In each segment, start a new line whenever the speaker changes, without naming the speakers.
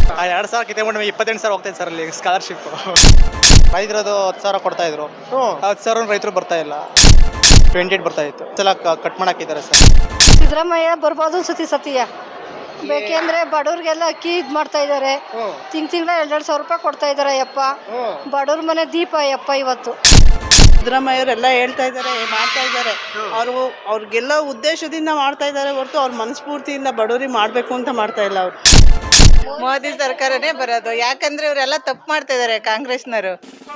ಆ 2,000 ಕಿತ್ಕೊಂಡ್ರೆ 28,000 ಹೋಗ್ತೈತೆ ಸರ್ ಅಲ್ಲಿ ಸ್ಕಾಲರ್ಶಿಪ್. ರೈತರದು 10,000 ಕೊಡ್ತಾ ಇದ್ರು. 10,000 ರೈತರು ಬರ್ತಾ ಇಲ್ಲ. 28 ಬರ್ತಾ ಇತ್ತು. ಸಲ ಕಟ್ ಮಾಡಾಕಿದ್ದಾರೆ ಸರ್.
ಸಿದ್ದರಾಮಯ್ಯ ಬರ್ಬೋದು ಸತಿಯ ಬೇಕೆಂದ್ರೆ ಬಡವ್ರಿಗೆಲ್ಲ ಅಕ್ಕಿ ಇದು ಮಾಡ್ತಾ ಇದ್ದಾರೆ. ತಿಂಗಳ 2,000 ರೂಪಾಯಿ ಕೊಡ್ತಾ ಇದ್ದಾರೆ. ಯಪ್ಪ ಬಡವ್ರ ಮನೆ ದೀಪ ಯಪ್ಪ ಇವತ್ತು.
ಸಿದ್ದರಾಮಯ್ಯವರೆಲ್ಲ ಹೇಳ್ತಾ ಇದ್ದಾರೆ, ಮಾಡ್ತಾ ಇದ್ದಾರೆ. ಅವ್ರಿಗೆಲ್ಲ ಉದ್ದೇಶದಿಂದ ಮಾಡ್ತಾ ಇದ್ದಾರೆ ಹೊರತು ಅವ್ರ ಮನಸ್ಫೂರ್ತಿಯಿಂದ ಬಡವರಿಗೆ ಮಾಡಬೇಕು ಅಂತ ಮಾಡ್ತಾ ಇಲ್ಲ ಅವರು.
ಮೋದಿ ಸರ್ಕಾರನೇ ಬರೋದು, ಯಾಕಂದ್ರೆ ಇವರೆಲ್ಲ ತಪ್ಪು ಮಾಡ್ತಾ ಇದ್ದಾರೆ ಕಾಂಗ್ರೆಸ್ನವರು.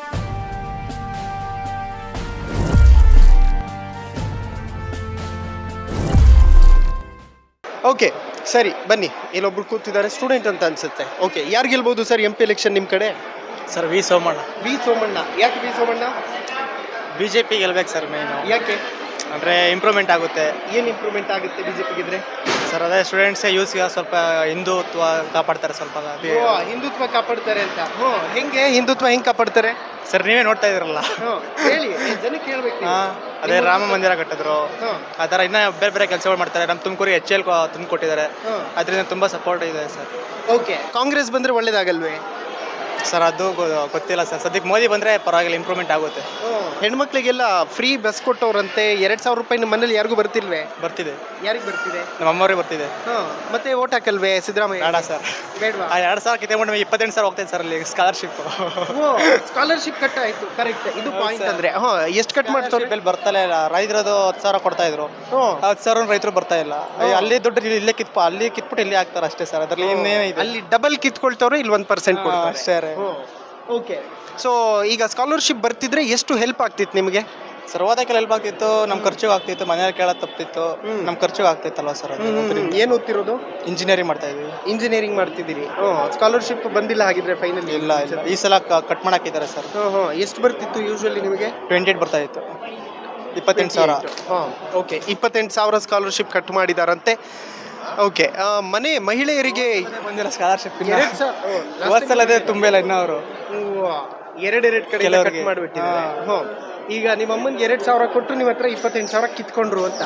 ಓಕೆ ಸರಿ ಬನ್ನಿ, ಇಲ್ಲೊಬ್ರು ಕೂತಿದ್ದಾರೆ, ಸ್ಟೂಡೆಂಟ್ ಅಂತ ಅನ್ಸುತ್ತೆ. ಓಕೆ, ಯಾರು ಗೆಲ್ಬಹುದು ಸರ್ MP ಎಲೆಕ್ಷನ್ ನಿಮ್ಮ ಕಡೆ?
Sir V Somanna.
V Somanna. ಯಾಕೆ ವಿ ಸೋಮಣ್ಣ?
BJP ಗೆಲ್ಬೇಕು ಸರ್ ಮೇನು.
ಯಾಕೆ?
ಅಂದರೆ ಇಂಪ್ರೂವ್ಮೆಂಟ್ ಆಗುತ್ತೆ.
ಏನು ಇಂಪ್ರೂವ್ಮೆಂಟ್ ಆಗುತ್ತೆ BJP ಗೆದ್ರೆ?
ಸರ್ ಅದೇ ಸ್ಟೂಡೆಂಟ್ಸ್ ಯೂಸ್ಗೆ ಸ್ವಲ್ಪ ಹಿಂದುತ್ವ ಕಾಪಾಡ್ತಾರೆ ಸ್ವಲ್ಪ.
ಹಿಂದುತ್ವ ಕಾಪಾಡ್ತಾರೆ ಅಂತ. ಹೆಂಗೆ ಹಿಂದುತ್ವ ಹೆಂಗ್ ಕಾಪಾಡ್ತಾರೆ
ಸರ್ ನೀವೇ ನೋಡ್ತಾ ಇದ್ರಲ್ಲ.
ಹೇಳಿ, ಜನಕ್ಕೆ ಹೇಳ್ಬೇಕು.
ಅದೇ ರಾಮ ಮಂದಿರ ಕಟ್ಟಿದ್ರು, ಆ ಥರ ಇನ್ನೂ ಬೇರೆ ಬೇರೆ ಕೆಲಸಗಳು ಮಾಡ್ತಾರೆ. ನಮ್ಮ ತುಮಕೂರಿಗೆ HL ತಂದು ಕೊಟ್ಟಿದ್ದಾರೆ, ಅದರಿಂದ ತುಂಬ ಸಪೋರ್ಟ್ ಇದೆ ಸರ್.
ಓಕೆ, ಕಾಂಗ್ರೆಸ್ ಬಂದ್ರೆ ಒಳ್ಳೇದಾಗಲ್ವೇ
ಸರ್? ಅದು ಗೊತ್ತಿಲ್ಲ ಸರ್. ಸದ್ಯಕ್ಕೆ ಮೋದಿ ಬಂದರೆ ಪರವಾಗಿಲ್ಲ, ಇಂಪ್ರೂವ್ಮೆಂಟ್ ಆಗುತ್ತೆ.
ಹೆಣ್ಮಕ್ಳಿಗೆಲ್ಲ ಫ್ರೀ ಬಸ್ ಕೊಟ್ಟವ್ರಂತೆ. 2,000 ರೂಪಾಯಿ ನಿಮ್ಮ ಮನೇಲಿ ಯಾರಿಗೂ ಬರ್ತಿಲ್ವೇ?
ಬರ್ತಿದೆ.
ಯಾರಿಗೆ ಬರ್ತಿದೆ?
ನಮ್ಮ ಅಮ್ಮವ್ರಿಗೆ ಬರ್ತಿದೆ.
ಮತ್ತೆ ಓಟ್ ಹಾಕಲ್ವೇ ಸಿದ್ದರಾಮಯ್ಯ?
ಬೇಡ ಸರ್.
ಬೇಡವಾ?
ಆ 2,000 ಕಿತ್ಕೊಂಡ್ರೆ 28,000 ಹೋಗ್ತೈತೆ ಸರ್ ಅಲ್ಲಿ ಸ್ಕಾಲರ್ಶಿಪ್.
ಸ್ಕಾಲರ್ಶಿಪ್ ಕಟ್ ಆಯ್ತು. ಕರೆಕ್ಟ್, ಇದು ಪಾಯಿಂಟ್. ಅಂದ್ರೆ ಎಷ್ಟು ಕಟ್ ಮಾಡ್ತಾರೆ?
ಬೆಲ್ ಬರ್ತಾನೆ ಇಲ್ಲ. ರೈತರದು 10,000 ಕೊಡ್ತಾ ಇದ್ರು. 10,000 ರೈತರು ಬರ್ತಾ ಇಲ್ಲ. ಅಲ್ಲಿ ದುಡ್ಡು ಇಲ್ಲೇ ಅಲ್ಲಿ ಕಿತ್ಬಿಟ್ಟು ಇಲ್ಲಿ ಹಾಕ್ತಾರೆ ಅಷ್ಟೇ ಸರ್. ಅದ್ರಲ್ಲಿ ಇನ್ನೇನು ಇದೆ?
ಅಲ್ಲಿ ಡಬಲ್ ಕಿತ್ಕೊಳ್ತವ್ರೆ, ಇಲ್ಲಿ 1% ಕೊಡ್ತಾರೆ
ಅಷ್ಟೇ.
ಓಕೆ, ಸೊ ಈಗ ಸ್ಕಾಲರ್ಶಿಪ್ ಬರ್ತಿದ್ರೆ ಎಷ್ಟು ಹೆಲ್ಪ್ ಆಗ್ತಿತ್ತು ನಿಮಗೆ?
ಸರ್ ಓದಕ್ಕೆಲ್ಲ ಹೆಲ್ಪ್ ಆಗ್ತಿತ್ತು, ನಮ್ಮ ಖರ್ಚಿಗೆ ಆಗ್ತಿತ್ತು, ಮನೆಯಲ್ಲಿ ಕೇಳೋದು ತಪ್ಪಿತ್ತು, ನಮ್ಮ ಖರ್ಚಿಗೆ ಆಗ್ತಿತ್ತಲ್ವ ಸರ್.
ಏನು ಓದ್ತಿರೋದು?
ಇಂಜಿನಿಯರಿಂಗ್ ಮಾಡ್ತಾ ಇದ್ವಿ.
ಇಂಜಿನಿಯರಿಂಗ್ ಮಾಡ್ತಿದ್ದೀರಿ. ಸ್ಕಾಲರ್ಶಿಪ್ ಬಂದಿಲ್ಲ ಹಾಗಿದ್ರೆ ಫೈನಲ್?
ಇಲ್ಲ, ಈ ಸಲ ಕಟ್ ಮಾಡಾಕಿದ್ದಾರೆ ಸರ್.
ಎಷ್ಟು ಬರ್ತಿತ್ತು ಯೂಶುವಲಿ ನಿಮಗೆ?
28 ಬರ್ತಾ ಇತ್ತು. 28,000.
ಓಕೆ, 28,000 ಸ್ಕಾಲರ್ಶಿಪ್ ಕಟ್ ಮಾಡಿದಾರಂತೆ. ಓಕೆ, ಮಹಿಳೆಯರಿಗೆ
ಬಂದಿಲ್ಲ ಸ್ಕಾಲರ್ಶಿಪ್.
ವರ್ಷ
ಅದೇ ತುಂಬಿಲ್ಲ ಇನ್ನೂ ಅವರು.
ಎರಡೆರಡು ಕಡೆ ಕಟ್ ಮಾಡಿಬಿಟ್ಟಿದ್ದಾರೆ. ಈಗ ನಿಮ್ಮ ಅಮ್ಮನಿಗೆ 2,000 ಕೊಟ್ಟರು, ನಿಮ್ಮ ಹತ್ರ 28,000 ಕಿತ್ಕೊಂಡ್ರು ಅಂತ.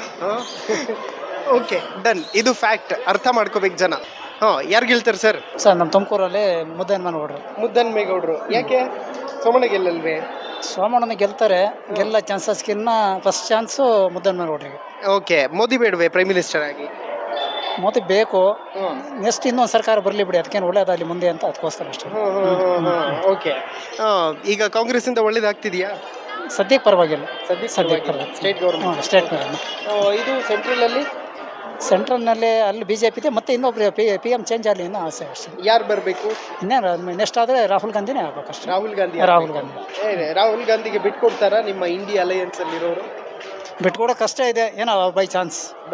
Okay, done. ಇದು ಫ್ಯಾಕ್ಟ್, ಅರ್ಥ ಮಾಡ್ಕೋಬೇಕು ಜನ. ಯಾರು ಗೆಲ್ತಾರೆ ಸರ್?
ಸರ್ ನಮ್ಮ ತುಮಕೂರಲ್ಲಿ
ಮುದ್ದನ್ಮೇಗೌಡರು. ಯಾಕೆ? ಸೋಮಣ್ಣ ಗೆಲ್ಲಲ್ವೇ?
ಸೋಮಣ್ಣನ ಗೆಲ್ತಾರೆ. ಗೆಲ್ಲ ಚಾನ್ಸಸ್ಗಿನ್ನ ಫಸ್ಟ್ ಚಾನ್ಸು ಮುದ್ದನ್ಮೇಗೌಡರಿಗೆ.
ಓಕೆ, ಮೋದಿ ಬೇಡವೇ ಪ್ರೈಮ್ ಮಿನಿಸ್ಟರ್ ಆಗಿ?
ಮೋದಿ ಬೇಕು. ನೆಕ್ಸ್ಟ್ ಇನ್ನೊಂದು ಸರ್ಕಾರ ಬರಲಿ ಬಿಡಿ, ಅದಕ್ಕೇನು ಒಳ್ಳೇದಾಗಲಿ ಮುಂದೆ ಅಂತ, ಅದಕ್ಕೋಸ್ಕರ ಅಷ್ಟೇ.
ಓಕೆ, ಈಗ ಕಾಂಗ್ರೆಸ್ ಇಂದ ಒಳ್ಳೇದಾಗ್ತಿದೆಯಾ?
ಸದ್ಯಕ್ಕೆ ಪರವಾಗಿಲ್ಲ.
ಸದ್ಯಕ್ಕೆ ಸ್ಟೇಟ್ ಗೌರ್ಮೆಂಟ್.
State government.
ಇದು
ಸೆಂಟ್ರಲ್ನಲ್ಲಿ ಅಲ್ಲಿ BJP ಇದೆ. ಮತ್ತೆ ಇನ್ನೊಬ್ರು PM ಚೇಂಜ್ ಆಗಲಿ ಅನ್ನೋ ಆಸೆ ಅಷ್ಟೇ.
ಯಾರು ಬರಬೇಕು?
ಇನ್ನೇನು ನೆಕ್ಸ್ಟ್ ಆದರೆ ರಾಹುಲ್ ಗಾಂಧಿನೇ ಆಗ್ಬೇಕಷ್ಟೇ.
ರಾಹುಲ್ ಗಾಂಧಿ. ರಾಹುಲ್ ಗಾಂಧಿಗೆ ಬಿಟ್ಕೊಡ್ತಾರಾ ನಿಮ್ಮ ಇಂಡಿಯಾ ಅಲಯನ್ಸ್ ಅಲ್ಲಿರೋರು?
ಬಿಟ್ಕೊಡೋ ಕಷ್ಟ ಇದೆ, ಏನೋ ಬೈ ಚಾನ್ಸ್.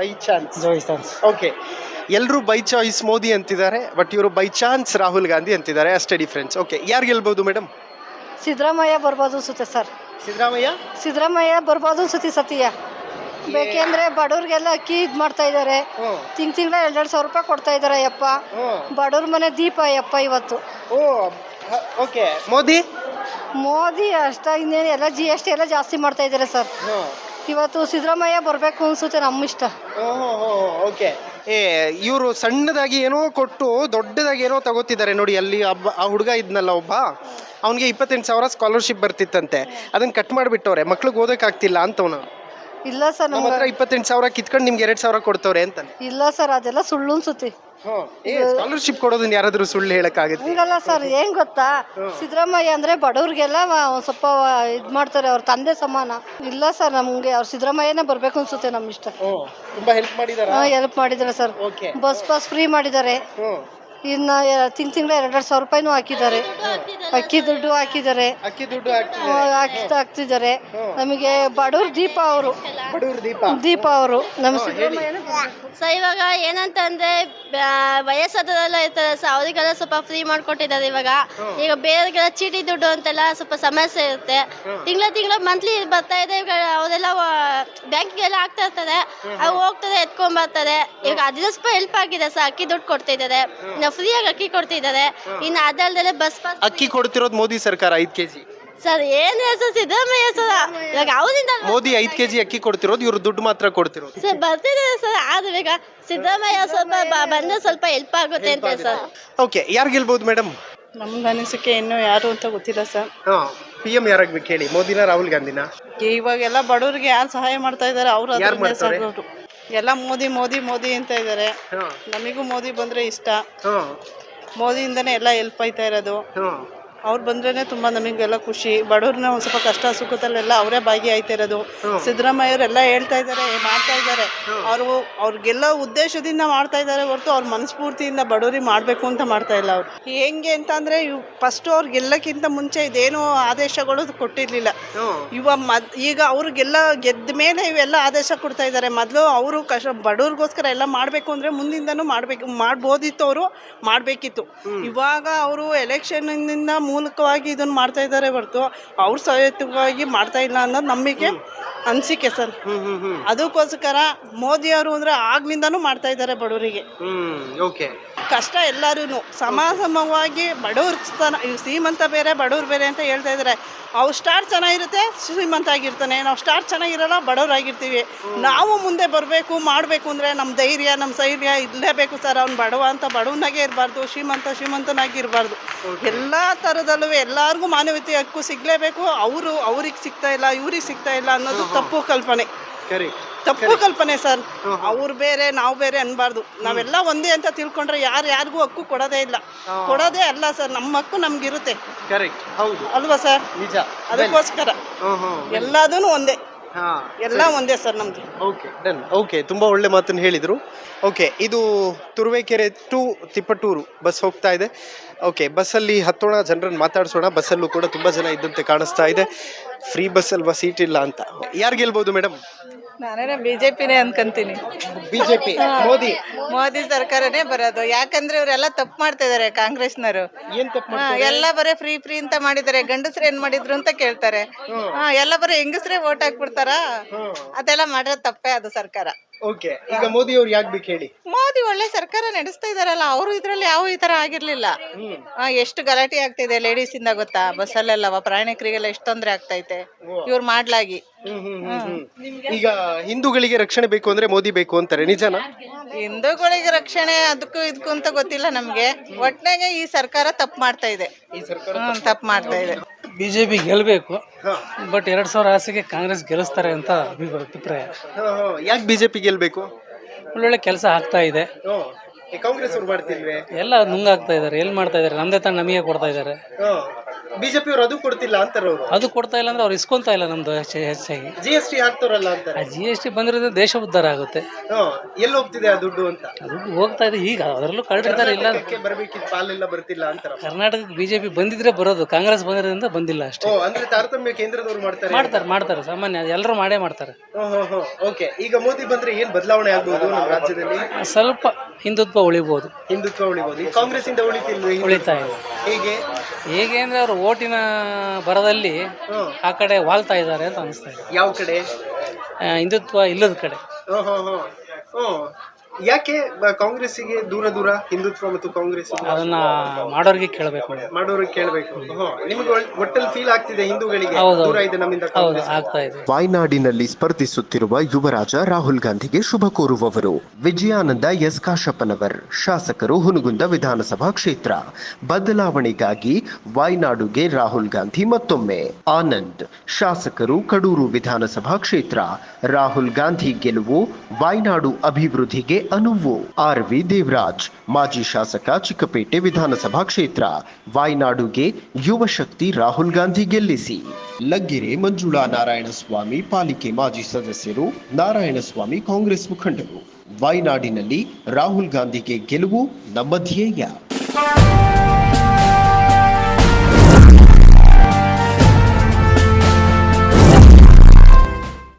ಓಕೆ, ಎಲ್ಲರೂ ಬೈ ಚಾಯ್ಸ್ ಮೋದಿ ಅಂತಿದ್ದಾರೆ, ಬಟ್ ಇವರು ಬೈ ಚಾನ್ಸ್ ರಾಹುಲ್ ಗಾಂಧಿ ಅಂತಿದ್ದಾರೆ, ಅಷ್ಟೇ ಡಿಫ್ರೆನ್ಸ್. ಓಕೆ, ಯಾರು ಗೆಲ್ಬಹುದು ಮೇಡಮ್?
ಸಿದ್ದರಾಮಯ್ಯ ಬರ್ಬೋದು ಸರ್. ಸಿದ್ದರಾಮಯ್ಯ ಬರ್ಬೋದು ಸತಿಯ ಬೇಕೆಂದ್ರೆ ಬಡವ್ರಿಗೆಲ್ಲ ಅಕ್ಕಿ ಇದು ಮಾಡ್ತಾ ಇದ್ದಾರೆ. ತಿಂಗಳ 2,000 ರೂಪಾಯಿ ಕೊಡ್ತಾ ಇದ್ದಾರೆ. ಯಪ್ಪ ಬಡವ್ರ ಮನೆ ದೀಪ ಯಪ್ಪ ಇವತ್ತು.
ಓಕೆ, ಮೋದಿ
ಅಷ್ಟ ಇನ್ನೇನು ಎಲ್ಲ GST ಎಲ್ಲ ಜಾಸ್ತಿ ಮಾಡ್ತಾ ಇದ್ದಾರೆ ಸರ್. ಇವತ್ತು ಸಿದ್ದರಾಮಯ್ಯ ಬರಬೇಕು ಅನ್ಸುತ್ತೆ, ನಮ್ಮ ಇಷ್ಟ.
ಓಕೆ, ಇವರು ಸಣ್ಣದಾಗಿ ಏನೋ ಕೊಟ್ಟು ದೊಡ್ಡದಾಗಿ ಏನೋ ತಗೋತಿದ್ದಾರೆ ನೋಡಿ. ಅಲ್ಲಿ ಆ ಹುಡುಗ ಇದ್ನಲ್ಲ ಒಬ್ಬ, ಅವನಿಗೆ 28,000 ಸ್ಕಾಲರ್ಶಿಪ್ ಬರ್ತಿತ್ತಂತೆ, ಅದನ್ನ ಕಟ್ ಮಾಡಿಬಿಟ್ಟವ್ರೆ. ಮಕ್ಳಿಗೆ ಓದೋಕ್ಕಾಗ್ತಿಲ್ಲ ಅಂತವನು.
ಇಲ್ಲ ಸರ್, ನಮ್ಮ
ಹತ್ರ 28,000 ಕಿತ್ಕೊಂಡು ನಿಮ್ಗೆ 2,000 ಕೊಡ್ತವ್ರೆ ಅಂತ.
ಇಲ್ಲ ಸರ್, ಅದೆಲ್ಲ ಸುಳ್ಳು ಅನ್ಸುತ್ತೆ.
ಸ್ಕಾಲರ್ಶಿಪ್ ಕೊಡೋದನ್ನ ಯಾರಾದ್ರೂ ಸುಳ್ಳು ಹೇಳಕ್ಕಾಗುತ್ತೆ?
ಹಂಗಲ್ಲ ಸರ್, ಏನ್ ಗೊತ್ತಾ, ಸಿದ್ದರಾಮಯ್ಯ ಅಂದ್ರೆ ಬಡವ್ರಿಗೆಲ್ಲ ಒಂದ್ ಸ್ವಲ್ಪ ಇದ್ ಮಾಡ್ತಾರೆ, ಅವ್ರ ತಂದೆ ಸಮಾನ. ಇಲ್ಲ ಸರ್, ನಮ್ಗೆ ಅವ್ರ ಸಿದ್ದರಾಮಯ್ಯನೇ ಬರ್ಬೇಕು ಅನ್ಸುತ್ತೆ, ನಮ್ಮ ಇಷ್ಟ.
ತುಂಬಾ ಹೆಲ್ಪ್
ಮಾಡಿದ್ದಾರೆ ಸರ್. ಬಸ್ ಪಾಸ್ ಫ್ರೀ ಮಾಡಿದ್ದಾರೆ. ಇನ್ನು ತಿಂಗಳ 2,000 ರೂಪಾಯಿನೂ ಹಾಕಿದ್ದಾರೆ. ಅಕ್ಕಿ ದುಡ್ಡು ಹಾಕಿದ್ದಾರೆ. ಹಾಕ್ತಿದ್ದಾರೆ. ನಮಗೆ ಬಡವ್ರ ದೀಪ ಅವರು. ನಮ್ಮ
ಸೊ ಇವಾಗ ಏನಂತಂದ್ರೆ ವಯಸ್ಸಾದವರೆಲ್ಲ ಇರ್ತಾರೆ, ಸೊ ಅವರಿಗೆಲ್ಲ ಸ್ವಲ್ಪ ಫ್ರೀ ಮಾಡ್ಕೊಟ್ಟಿದ್ದಾರೆ. ಈಗ ಬೇರೆಗೆಲ್ಲ ಚೀಟಿ ದುಡ್ಡು ಅಂತೆಲ್ಲ ಸ್ವಲ್ಪ ಸಮಸ್ಯೆ ಇರುತ್ತೆ. ತಿಂಗಳ ಮಂತ್ಲಿ ಬರ್ತಾ ಇದೆ. ಈಗ ಅವರೆಲ್ಲ ಬ್ಯಾಂಕಿಗೆಲ್ಲ ಆಗ್ತಾ ಇರ್ತಾರೆ, ಅವು ಹೋಗ್ತಾರೆ, ಎತ್ಕೊಂಡ್ ಬರ್ತಾರೆ. ಈಗ 10 ರೂಪಾಯಿ ಹೆಲ್ಪ್ ಆಗಿದೆ ಸರ್. ಅಕ್ಕಿ ದುಡ್ಡು ಕೊಡ್ತಿದ್ದಾರೆ, ಫ್ರೀಯಾಗಿ ಅಕ್ಕಿ ಕೊಡ್ತಿದ್ದಾರೆ. ಇನ್ನು ಅದಲ್ದೆ ಬಸ್ ಪಾಸ್
ಅಕ್ಕಿ ಕೊಡ್ತಿರೋದು ಮೋದಿ ಸರ್ಕಾರ 5 kg.
ಸರ್ ಏನ್ ಸರ್ ಸಿದ್ದರಾಮಯ್ಯ ಸರ್ ಇವಾಗ ಅವರಿಂದ
ಮೋದಿ 5 kg ಅಕ್ಕಿ ಕೊಡ್ತಿರೋದು, ಇವ್ರು ದುಡ್ಡು ಮಾತ್ರ ಕೊಡ್ತಿರೋದು.
ಸರ್ ಬರ್ತಿದೆ ಸರ್ ಆದ್ರೆ ಈಗ ಸಿದ್ದರಾಮಯ್ಯ ಸ್ವಲ್ಪ ಬಂದ್ರೆ ಸ್ವಲ್ಪ ಹೆಲ್ಪ್ ಆಗುತ್ತೆ ಅಂತ ಸರ್.
ಓಕೆ, ಯಾರು ಗೆಲ್ಬಹುದು ಮೇಡಮ್?
ನಮ್ಗೆ ಅನಿಸಿಕೆ ಇನ್ನೂ ಯಾರು ಅಂತ ಗೊತ್ತಿಲ್ಲ ಸರ್.
PM ಯಾರಾಗ್ಬೇಕು ಹೇಳಿ, ಮೋದಿನ ರಾಹುಲ್ ಗಾಂಧಿನ?
ಇವಾಗೆಲ್ಲ ಬಡವ್ರಿಗೆ ಯಾರು ಸಹಾಯ ಮಾಡ್ತಾ ಇದಾರೆ ಅವ್ರು
ಯಾರ್ ಮಾಡ್ತಾರೆ?
ಎಲ್ಲ ಮೋದಿ ಮೋದಿ ಮೋದಿ ಅಂತ ಇದಾರೆ. ನಮಿಗೂ ಮೋದಿ ಬಂದ್ರೆ ಇಷ್ಟ. ಮೋದಿಯಿಂದನೇ ಎಲ್ಲ ಹೆಲ್ಪ್ ಆಯ್ತಾ ಇರೋದು. ಅವ್ರು ಬಂದ್ರೇನೆ ತುಂಬಾ ನಮಗೆಲ್ಲ ಖುಷಿ. ಬಡವ್ರನ್ನ ಒಂದ್ ಸ್ವಲ್ಪ ಕಷ್ಟ ಸುಖದಲ್ಲೆಲ್ಲ ಅವರೇ ಭಾಗಿಯಾಯ್ತಾ ಇರೋದು. ಸಿದ್ದರಾಮಯ್ಯವರೆಲ್ಲ ಹೇಳ್ತಾ ಇದಾರೆ, ಮಾಡ್ತಾ ಇದಾರೆ. ಅವ್ರಿಗೆಲ್ಲ ಉದ್ದೇಶದಿಂದ ಮಾಡ್ತಾ ಇದಾರೆ ಹೊರತು ಅವ್ರ ಮನಸ್ಫೂರ್ತಿಯಿಂದ ಬಡವ್ರಿಗೆ ಮಾಡ್ಬೇಕು ಅಂತ ಮಾಡ್ತಾ ಇಲ್ಲ. ಅವ್ರು ಹೆಂಗೆ ಅಂತ ಅಂದ್ರೆ ಫಸ್ಟ್ ಅವ್ರಿಗೆಲ್ಲಕ್ಕಿಂತ ಮುಂಚೆ ಇದೇನು ಆದೇಶಗಳು ಕೊಟ್ಟಿರ್ಲಿಲ್ಲ. ಈಗ ಅವ್ರಿಗೆಲ್ಲ ಗೆದ್ದ ಮೇಲೆ ಇವೆಲ್ಲ ಆದೇಶ ಕೊಡ್ತಾ ಇದಾರೆ. ಮೊದಲು ಅವರು ಬಡವ್ರಿಗೋಸ್ಕರ ಎಲ್ಲ ಮಾಡ್ಬೇಕು ಅಂದ್ರೆ ಮುಂದಿಂದನೂ ಮಾಡ್ಬೋದಿತ್ತು, ಅವರು ಮಾಡ್ಬೇಕಿತ್ತು. ಇವಾಗ ಅವರು ಎಲೆಕ್ಷನ್ ಇಂದ ಮೂಲಕವಾಗಿ ಇದನ್ನ ಮಾಡ್ತಾ ಇದ್ದಾರೆ ಹೊರತು ಅವ್ರ ಸಹೇತುವಾಗಿ ಮಾಡ್ತಾ ಇಲ್ಲ ಅನ್ನೋದು ನಂಬಿಕೆ, ಅನಿಸಿಕೆ ಸರ್. ಅದಕ್ಕೋಸ್ಕರ ಮೋದಿ ಅವರು ಅಂದ್ರೆ ಆಗ್ಲಿಂದಾನು ಮಾಡ್ತಾ ಇದ್ದಾರೆ ಬಡವರಿಗೆ. ಕಷ್ಟ ಎಲ್ಲರೂ ಸಮವಾಗಿ ಬಡವ್ರ ಶ್ರೀಮಂತ ಬೇರೆ ಬಡವ್ರು ಬೇರೆ ಅಂತ ಹೇಳ್ತಾ ಇದ್ದಾರೆ. ಅವ್ರು ಸ್ಟಾರ್ ಚೆನ್ನಾಗಿರುತ್ತೆ, ಶ್ರೀಮಂತ ಆಗಿರ್ತಾನೆ. ನಾವು ಸ್ಟಾರ್ ಚೆನ್ನಾಗಿರಲ್ಲ, ಬಡವರಾಗಿರ್ತೀವಿ. ನಾವು ಮುಂದೆ ಬರಬೇಕು ಮಾಡಬೇಕು ಅಂದರೆ ನಮ್ಮ ಧೈರ್ಯ ನಮ್ಮ ಶೈರ್ಯ ಇರಲೇಬೇಕು ಸರ್. ಅವ್ನು ಬಡವ ಅಂತ ಬಡವನಾಗೆ ಇರಬಾರ್ದು, ಶ್ರೀಮಂತನಾಗಿ ಇರಬಾರ್ದು. ಎಲ್ಲ ಥರದಲ್ಲೂ ಎಲ್ಲರಿಗೂ ಮಾನವೀಯತೆ ಹಕ್ಕು ಸಿಗಲೇಬೇಕು. ಅವ್ರಿಗೆ ಸಿಗ್ತಾ ಇಲ್ಲ, ಇವ್ರಿಗೆ ಸಿಗ್ತಾ ಇಲ್ಲ ಅನ್ನೋದು ತಪ್ಪು ಕಲ್ಪನೆ ಸರ್. ಅವ್ರು ಬೇರೆ ನಾವು ಬೇರೆ ಅನ್ಬಾರ್ದು. ನಾವೆಲ್ಲ ಒಂದೇ ಅಂತ ತಿಳ್ಕೊಂಡ್ರೆ ಯಾರಿಗೂ ಹಕ್ಕು ಕೊಡೋದೇ ಇಲ್ಲ, ಕೊಡೋದೇ ಅಲ್ಲ ಸರ್. ನಮ್ಮ ಹಕ್ಕು ನಮ್ಗಿರುತ್ತೆ ಅಲ್ವಾ ಸರ್? ಅದಕ್ಕೋಸ್ಕರ ಎಲ್ಲದೂ ಒಂದೇ, ಎಲ್ಲ ಒಂದೇ ಸರ್ ನಮ್ದು.
ಓಕೆ, ತುಂಬಾ ಒಳ್ಳೆ ಮಾತನ್ನು ಹೇಳಿದ್ರು. ಓಕೆ, ಇದು ತುರುವೇಕೆರೆ ಟು ತಿಪ್ಪಟೂರು ಬಸ್ ಹೋಗ್ತಾ ಇದೆ. ಓಕೆ, ಬಸ್ಸಲ್ಲಿ ಹತ್ತೋಣ, ಜನರನ್ನು ಮಾತಾಡ್ಸೋಣ. ಬಸ್ಸಲ್ಲೂ ಕೂಡ ತುಂಬಾ ಜನ ಇದ್ದಂತೆ ಕಾಣಿಸ್ತಾ ಇದೆ. ಫ್ರೀ ಬಸ್ ಅಲ್ವಾ, ಸೀಟ್ ಇಲ್ಲ ಅಂತ. ಯಾರು ಗೆಲ್ಬಹುದು ಮೇಡಮ್?
ನಾನೇನ ಬಿಜೆಪಿನೇ ಅನ್ಕೊಂತೀನಿ.
ಬಿಜೆಪಿ,
ಮೋದಿ ಸರ್ಕಾರನೇ ಬರೋದು. ಯಾಕಂದ್ರೆ ಇವರೆಲ್ಲ ತಪ್ಪು ಮಾಡ್ತಾ ಇದಾರೆ ಕಾಂಗ್ರೆಸ್ನವರು.
ಏನ್ ತಪ್ಪು?
ಎಲ್ಲ ಬರೀ ಫ್ರೀ ಅಂತ ಮಾಡಿದ್ದಾರೆ. ಗಂಡಸ್ರು ಏನ್ ಮಾಡಿದ್ರು ಅಂತ ಕೇಳ್ತಾರೆ. ಎಲ್ಲ ಬರೀ ಹೆಂಗಸ್ರೇ ವೋಟ್ ಹಾಕ್ಬಿಡ್ತಾರ. ಅದೆಲ್ಲ ಮಾಡಿರೋ ತಪ್ಪೇ ಅದು ಸರ್ಕಾರ.
ಓಕೆ, ಈಗ ಮೋದಿ ಅವ್ರು ಯಾಕೆ ಬೇಕು ಹೇಳಿ?
ಮೋದಿ ಒಳ್ಳೆ ಸರ್ಕಾರ ನಡೆಸ್ತಾ ಇದಾರಲ್ಲ. ಅವರು ಇದ್ರಲ್ಲಿ ಯಾವ ಈ ತರ ಆಗಿರ್ಲಿಲ್ಲ. ಎಷ್ಟು ಗಲಾಟೆ ಆಗ್ತಿದೆ ಲೇಡೀಸ್ ಇಂದ ಗೊತ್ತಾ? ಬಸ್ಸಲ್ಲೆಲ್ಲ ಪ್ರಯಾಣಿಕರಿಗೆಲ್ಲ ಎಷ್ಟು ತೊಂದ್ರೆ ಆಗ್ತೈತೆ ಇವ್ರು ಮಾಡ್ಲಾಗಿ.
ಈಗ ಹಿಂದೂಗಳಿಗೆ ರಕ್ಷಣೆ ಬೇಕು ಅಂದ್ರೆ ಮೋದಿ ಬೇಕು ಅಂತಾರೆ, ನಿಜನಾ?
ಹಿಂದೂಗಳಿಗೆ ರಕ್ಷಣೆ ಅದಕ್ಕೂ ಇದಕ್ಕೂ ಅಂತ ಗೊತ್ತಿಲ್ಲ ನಮ್ಗೆ. ಒಟ್ನಾಗೆ ಈ ಸರ್ಕಾರ ತಪ್ಪು ಮಾಡ್ತಾ ಇದೆ. ತಪ್ಪು ಮಾಡ್ತಾ ಇದೆ.
ಬಿಜೆಪಿ ಗೆಲ್ಬೇಕು, ಬಟ್ 2000 ಆಸೆಗೆ ಕಾಂಗ್ರೆಸ್ ಗೆಲ್ಲಿಸ್ತಾರೆ ಅಂತ ಅಭಿಪ್ರಾಯ.
ಯಾಕೆ ಬಿಜೆಪಿ ಗೆಲ್ಬೇಕು?
ಒಳ್ಳೊಳ್ಳೆ ಕೆಲಸ ಆಗ್ತಾ ಇದೆ.
ಕಾಂಗ್ರೆಸ್ ಅವ್ರು ಮಾಡ್ತಿಲ್ವೇ?
ಎಲ್ಲ ನುಂಗಾಗ್ತಾ ಇದಾರೆ. ಎಲ್ಲಿ ಮಾಡ್ತಾ ಇದಾರೆ? ನಮ್ದೇ ತಾನು ನಮಗೆ ಕೊಡ್ತಾ ಇದಾರೆ.
ಬಿಜೆಪಿ ಅವರು ಅದು ಕೊಡ್ತಿಲ್ಲ ಅಂತಾರೆ.
ಅದು ಕೊಡ್ತಾ ಇಲ್ಲ ಅಂದ್ರೆ ಅವ್ರು ಇಸ್ಕೊಂತಾ ಇಲ್ಲ ನಮ್ದು ಹೆಚ್ಚಾಗಿ.
GST ಹಾಕ್ತಾರಲ್ಲ ಅಂತಾರೆ.
GST ಬಂದಿರೋದ್ರಿಂದ ದೇಶ ಉದ್ಧಾರ ಆಗುತ್ತೆ.
ಎಲ್ಲಿ ಹೋಗ್ತಿದೆ ಆ ದುಡ್ಡು ಅಂತ?
ದುಡ್ಡು ಹೋಗ್ತಾ ಇದೆ. ಈಗ ಅದರಲ್ಲೂ ಕಳ್ದಿರ್ತಾರೆ. ಇಲ್ಲ
ಬರಬೇಕಿತ್ತು, ಪಾಲೆಲ್ಲ ಬರ್ತಿಲ್ಲ ಅಂತಾರೆ.
ಕರ್ನಾಟಕಕ್ಕೆ ಬಿಜೆಪಿ ಬಂದಿದ್ರೆ ಬರೋದು, ಕಾಂಗ್ರೆಸ್ ಬಂದಿರೋದ್ರಿಂದ ಬಂದಿಲ್ಲ ಅಷ್ಟೇ.
ಅಂದ್ರೆ ತಾರತಮ್ಯ ಕೇಂದ್ರದವ್ರು
ಮಾಡ್ತಾರೆ ಸಾಮಾನ್ಯ, ಎಲ್ಲರೂ ಮಾಡೇ ಮಾಡ್ತಾರೆ.
ಓಕೆ, ಈಗ ಮೋದಿ ಬಂದ್ರೆ ಏನ್ ಬದಲಾವಣೆ ಆಗ್ಬಹುದು ನಮ್ಮ ರಾಜ್ಯದಲ್ಲಿ?
ಸ್ವಲ್ಪ ಹಿಂದುತ್ವ ಉಳಿಬಹುದು.
ಕಾಂಗ್ರೆಸ್ ಇಂದ
ಉಳಿತಾ ಇಲ್ಲ. ಹೇಗೆ ಅಂದ್ರೆ ಅವರು ಓಟಿನ ಬರದಲ್ಲಿ ಆ ಕಡೆ ವಾಲ್ತಾ ಇದ್ದಾರೆ ಅಂತ ಅನಿಸ್ತಾ ಇದೆ.
ಯಾವ ಕಡೆ?
ಹಿಂದುತ್ವ ಇಲ್ಲದ ಕಡೆ.
ಯಾಕೆ ಕಾಂಗ್ರೆಸ್ಸಿಗೆ ದೂರ ಹಿಂದುತ್ವ ಮತ್ತು ಕಾಂಗ್ರೆಸ್?
ಅದನ್ನ ಮಾಡೋರಿಗೆ ಕೇಳಬೇಕು.
ನಿಮಗೆ ಒಟ್ಟಲ್ಲಿ ಫೀಲ್ ಆಗ್ತಿದೆ ಹಿಂದೂಗಳಿಗೆ ದೂರ ಇದೆ ನಮ್ಮಿಂದ?
ಆಗ್ತಾ ಇದೆ.
ವಾಯ್ನಾಡಿನಲ್ಲಿ ಸ್ಪರ್ಧಿಸುತ್ತಿರುವ ಯುವರಾಜ ರಾಹುಲ್ ಗಾಂಧಿಗೆ ಶುಭ ಕೋರುವವರು ವಿಜಯಾನಂದ ಎಸ್ ಕಾಶಪ್ಪನವರ್, ಶಾಸಕರು ಹುನಗುಂದ ವಿಧಾನಸಭಾ ಕ್ಷೇತ್ರ. ಬದಲಾವಣೆಗಾಗಿ ವಾಯ್ನಾಡುಗೆ ರಾಹುಲ್ ಗಾಂಧಿ ಮತ್ತೊಮ್ಮೆ. ಆನಂದ್, ಶಾಸಕರು ಕಡೂರು ವಿಧಾನಸಭಾ ಕ್ಷೇತ್ರ. ರಾಹುಲ್ ಗಾಂಧಿ ಗೆಲುವು ವಾಯ್ನಾಡು ಅಭಿವೃದ್ಧಿಗೆ ಅನುವು. RV ದೇವರಾಜ್, ಮಾಜಿ ಶಾಸಕ, ಚಿಕ್ಕಪೇಟೆ ವಿಧಾನಸಭಾ ಕ್ಷೇತ್ರ. ವಾಯ್ನಾಡುಗೆ ಯುವ ಶಕ್ತಿ ರಾಹುಲ್ ಗಾಂಧಿ ಗೆಲ್ಲಿಸಿ. ಲಗ್ಗೆರೆ ಮಂಜುಳಾ ನಾರಾಯಣಸ್ವಾಮಿ, ಪಾಲಿಕೆ ಮಾಜಿ ಸದಸ್ಯರು. ನಾರಾಯಣಸ್ವಾಮಿ ಕಾಂಗ್ರೆಸ್ ಮುಖಂಡರು. ವಾಯ್ನಾಡಿನಲ್ಲಿ ರಾಹುಲ್ ಗಾಂಧಿಗೆ ಗೆಲುವು ನಮ್ಮ ಧ್ಯೇಯ.